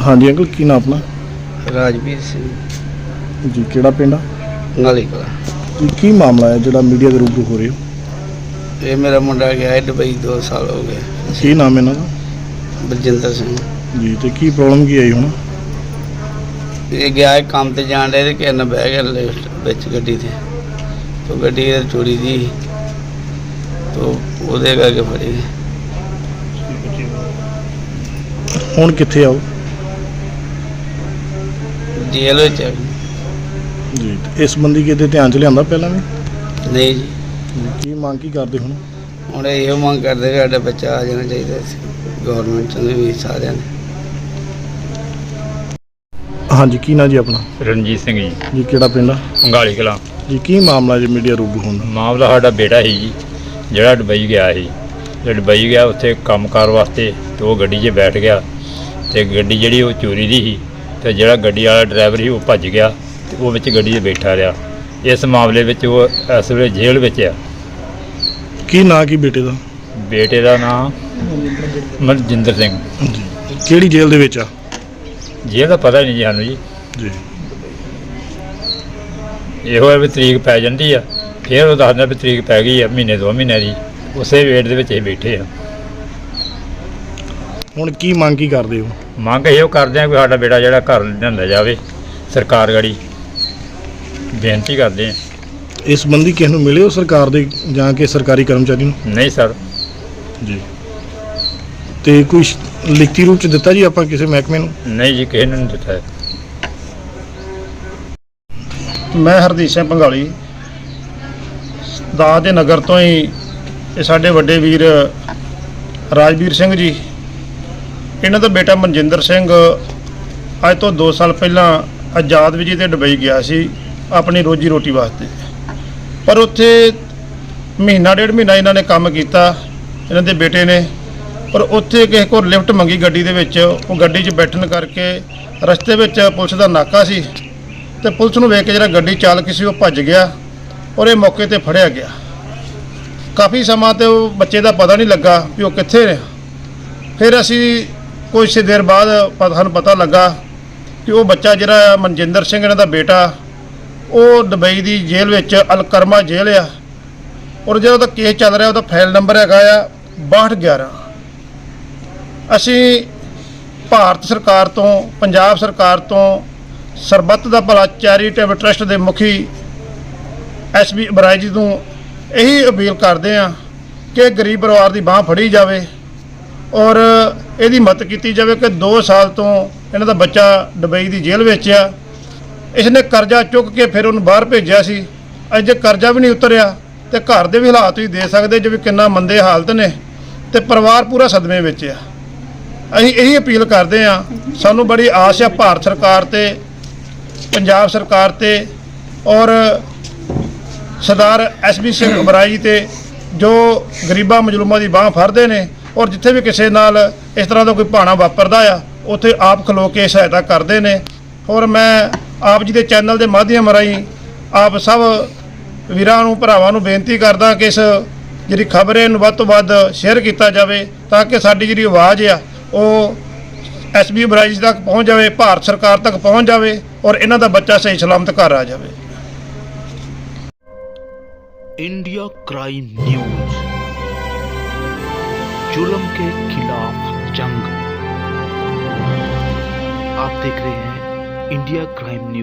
हाँ जी अंकल की नाम अपना राजवीर सिंह जी केड़ा पिंड आ नाली कला। जी की मामला है जो मीडिया के रूबरू हो रहे हो ये मेरा मुंडा गया है दुबई 2 साल हो गए। की नाम है इन्हां दा बलजिंदर सिंह जी तो की प्रॉब्लम की आई हुण ये गया है काम ते जान रहे कि न बह गया लिफ्ट बिच गड्डी थे तो गड्डी चोरी दी तो ਉਹਦੇ ਕਰਕੇ ਫੜੀ हुण कित्थे आओ ਜੇਲ੍ਹ ਵਿੱਚ ਹੈ। जी इस संबंधी किते ध्यान च लिआंदा पहलां भी ਨਹੀਂ ਜੀ की मांग की करदे हुण ਹੁਣ ਇਹੋ ਮੰਗ ਕਰਦੇ ਕਿ ਸਾਡਾ ਬੱਚਾ ਆ ਜਾਣਾ ਚਾਹੀਦਾ ਸੀ ਗੌਰਮੈਂਟ ਨੇ ਵੀ ਸਾਰਿਆਂ ਨੇ। हाँ जी की ना जी अपना ਰਣਜੀਤ ਸਿੰਘ ਜੀ जी केड़ा पिंड आ ਅੰਗਾਲੀ ਕਲਾਂ। जी की मामला जी मीडिया रूबरू होंदा ਮਾਮਲਾ ਸਾਡਾ ਬੇਟਾ ਸੀ ਜੀ ਜਿਹੜਾ ਦੁਬਈ ਗਿਆ ਸੀ। ਜੇ ਦੁਬਈ ਗਿਆ ਉੱਥੇ ਕੰਮਕਾਰ ਵਾਸਤੇ ਤੇ ਉਹ ਗੱਡੀ 'ਚ ਬੈਠ ਗਿਆ ਤੇ ਗੱਡੀ ਜਿਹੜੀ ਉਹ ਚੋਰੀ ਦੀ ਸੀ ਤੇ ਜਿਹੜਾ ਗੱਡੀ ਵਾਲਾ ਡਰਾਈਵਰ ਸੀ ਉਹ ਭੱਜ ਗਿਆ ਤੇ ਉਹ ਵਿੱਚ ਗੱਡੀ 'ਚ ਬੈਠਾ ਰਿਹਾ। ਇਸ ਮਾਮਲੇ ਵਿੱਚ ਉਹ ਇਸ ਵੇਲੇ ਜੇਲ੍ਹ ਵਿੱਚ ਆ। की ना की बेटे दा ਬੇਟੇ ਦਾ ਨਾਮ ਮਨਜਿੰਦਰ ਸਿੰਘ। जी केड़ी जेल दे विच आ ਜੇਲ੍ਹ ਦਾ ਪਤਾ ਨਹੀਂ ਜੀ ਸਾਨੂੰ ਜੀ। जी ਇਹੋ ਹੈ ਵੀ ਤਰੀਕ ਪੈ ਜਾਂਦੀ ਆ ਫਿਰ ਉਹ ਦੱਸਦਾ ਵੀ ਤਰੀਕ ਪੈ ਗਈ ਆ ਮਹੀਨੇ 2 ਮਹੀਨੇ ਦੀ ਉਸੇ ਵੇਟ ਦੇ ਵਿੱਚ ਅਸੀਂ ਬੈਠੇ ਆ। हुण की मांग की करदे हो ਮੰਗ ਇਹੋ ਕਰਦੇ ਆ ਕਿ ਸਾਡਾ ਬੇਟਾ ਜਿਹੜਾ ਘਰ ਲਿਆਂਦਾ ਜਾਵੇ। ਸਰਕਾਰ ਗੜੀ ਬੇਨਤੀ ਕਰਦੇ ਆ। इस संबंधी किस नूं मिले हो सरकार दे जां के सरकारी कर्मचारी नूं ਨਹੀਂ ਸਰ जी ते कोई लिखती रूप च दिता जी आपां किसी महकमे नूं ਨਹੀਂ ਜੀ ਕਿਸੇ ਨੂੰ ਨਹੀਂ ਦਿੱਤਾ ਹੈ। ਮੈਂ ਹਰਦੀਪ ਸਿੰਘ ਭੰਗਾਲੀ ਦਾਸ ਦੇ ਨਗਰ ਤੋਂ ਹੀ ਇਹ ਸਾਡੇ ਵੱਡੇ ਵੀਰ ਰਾਜਵੀਰ ਸਿੰਘ ਜੀ ਇਹਨਾਂ ਦਾ ਬੇਟਾ ਮਨਜਿੰਦਰ ਸਿੰਘ ਅੱਜ ਤੋਂ 2 ਸਾਲ ਪਹਿਲਾਂ ਆਜ਼ਾਦ ਵਿਜੀ ਤੇ ਦੁਬਈ ਗਿਆ ਸੀ ਆਪਣੀ ਰੋਜੀ ਰੋਟੀ ਵਾਸਤੇ। ਪਰ ਉੱਥੇ ਮਹੀਨਾ ਡੇਢ ਮਹੀਨਾ ਇਹਨਾਂ ਨੇ ਕੰਮ ਕੀਤਾ ਇਹਨਾਂ ਦੇ ਬੇਟੇ ਨੇ। ਪਰ ਉੱਥੇ ਕਿਸੇ ਕੋਲ ਲਿਫਟ ਮੰਗੀ ਗੱਡੀ ਦੇ ਵਿੱਚ ਉਹ ਗੱਡੀ 'ਚ ਬੈਠਣ ਕਰਕੇ ਰਸਤੇ ਵਿੱਚ ਪੁਲਿਸ ਦਾ ਨਾਕਾ ਸੀ ਤੇ ਪੁਲਿਸ ਨੂੰ ਵੇਖ ਕੇ ਜਿਹੜਾ ਗੱਡੀ ਚਾਲਕ ਸੀ ਉਹ ਭੱਜ ਗਿਆ ਔਰ ਇਹ ਮੌਕੇ ਤੇ ਫੜਿਆ ਗਿਆ। ਕਾਫੀ ਸਮਾਂ ਤੇ ਉਹ ਬੱਚੇ ਦਾ ਪਤਾ ਨਹੀਂ ਲੱਗਾ ਵੀ ਉਹ ਕਿੱਥੇ ਨੇ। ਫਿਰ ਅਸੀਂ ਕੁਝ ਦੇਰ ਬਾਅਦ ਸਾਨੂੰ ਪਤਾ ਲੱਗਾ ਕਿ ਉਹ ਬੱਚਾ ਜਿਹੜਾ ਮਨਜਿੰਦਰ ਸਿੰਘ ਇਹਨਾਂ ਦਾ ਬੇਟਾ ਉਹ ਦੁਬਈ ਦੀ ਜੇਲ੍ਹ ਵਿੱਚ ਅਲਕਰਮਾ ਜੇਲ੍ਹ ਆ ਔਰ ਜਿਹੜਾ ਉਹਦਾ ਕੇਸ ਚੱਲ ਰਿਹਾ ਉਹਦਾ ਫਾਈਲ ਨੰਬਰ ਹੈਗਾ ਆ 6211। ਅਸੀਂ ਭਾਰਤ ਸਰਕਾਰ ਤੋਂ ਪੰਜਾਬ ਸਰਕਾਰ ਤੋਂ ਸਰਬੱਤ ਦਾ ਭਲਾ ਚੈਰੀਟੇਬਲ ਟਰਸਟ ਦੇ ਮੁਖੀ ਐਸਬੀ ਬਰਾਜ ਜੀ ਨੂੰ ਇਹੀ ਅਪੀਲ ਕਰਦੇ ਆ ਕਿ ਗਰੀਬ ਪਰਿਵਾਰ ਦੀ ਬਾਂਹ ਫੜੀ ਜਾਵੇ ਔਰ ਇਹਦੀ ਮਦਦ ਕੀਤੀ ਜਾਵੇ ਕਿ 2 ਸਾਲ ਤੋਂ ਇਹਨਾਂ ਦਾ ਬੱਚਾ ਦੁਬਈ ਦੀ ਜੇਲ੍ਹ ਵਿੱਚ ਆ। ਇਸਨੇ ਕਰਜ਼ਾ ਚੁੱਕ ਕੇ ਫਿਰ ਉਹਨੂੰ ਬਾਹਰ ਭੇਜਿਆ ਸੀ। ਅੱਜ ਜੇ ਕਰਜ਼ਾ ਵੀ ਨਹੀਂ ਉਤਰਿਆ ਤੇ ਘਰ ਦੇ ਵੀ ਹਾਲਾਤ ਤੁਸੀਂ ਦੇ ਸਕਦੇ ਜਿਵੇਂ ਕਿੰਨਾ ਮੰਦੇ ਹਾਲਤ ਨੇ ਤੇ ਪਰਿਵਾਰ ਪੂਰਾ ਸਦਮੇ ਵਿੱਚ ਆ। ਅਸੀਂ ਇਹੀ ਅਪੀਲ ਕਰਦੇ ਆ ਸਾਨੂੰ ਬੜੀ ਆਸ ਆ ਭਾਰਤ ਸਰਕਾਰ ਤੇ ਪੰਜਾਬ ਸਰਕਾਰ ਤੇ ਔਰ ਸਰਦਾਰ ਐਸਬੀ ਸਿੰਘ ਬਰਾਈ ਤੇ ਜੋ ਗਰੀਬਾਂ ਮਜ਼ਲੂਮਾਂ ਦੀ ਬਾਂਹ ਫੜਦੇ ਨੇ ਔਰ ਜਿੱਥੇ ਵੀ ਕਿਸੇ ਨਾਲ ਇਸ ਤਰ੍ਹਾਂ ਦਾ ਕੋਈ ਭਾਣਾ ਵਾਪਰਦਾ ਆ ਉੱਥੇ ਆਪ ਖਲੋ ਕੇ ਸਹਾਇਤਾ ਕਰਦੇ ਨੇ। ਔਰ ਮੈਂ ਆਪ ਜੀ ਦੇ ਚੈਨਲ ਦੇ ਮਾਧਿਅਮ ਰਾਹੀਂ ਆਪ ਸਭ ਵੀਰਾਂ ਨੂੰ ਭਰਾਵਾਂ ਨੂੰ ਬੇਨਤੀ ਕਰਦਾ ਕਿ ਇਸ ਜਿਹੜੀ ਖਬਰ ਹੈ ਇਹਨੂੰ ਵੱਧ ਤੋਂ ਵੱਧ ਸ਼ੇਅਰ ਕੀਤਾ ਜਾਵੇ ਤਾਂ ਕਿ ਸਾਡੀ ਜਿਹੜੀ ਆਵਾਜ਼ ਆ ਉਹ ਐਸਬੀ ਬਰਾਈ ਤੱਕ ਪਹੁੰਚ ਜਾਵੇ, ਭਾਰਤ ਸਰਕਾਰ ਤੱਕ ਪਹੁੰਚ ਜਾਵੇ ਔਰ ਇਹਨਾਂ ਦਾ ਬੱਚਾ ਸਹੀ ਸਲਾਮਤ ਘਰ ਆ ਜਾਵੇ। इंडिया क्राइम न्यूज, जुल्म के खिलाफ जंग। आप देख रहे हैं इंडिया क्राइम न्यूज।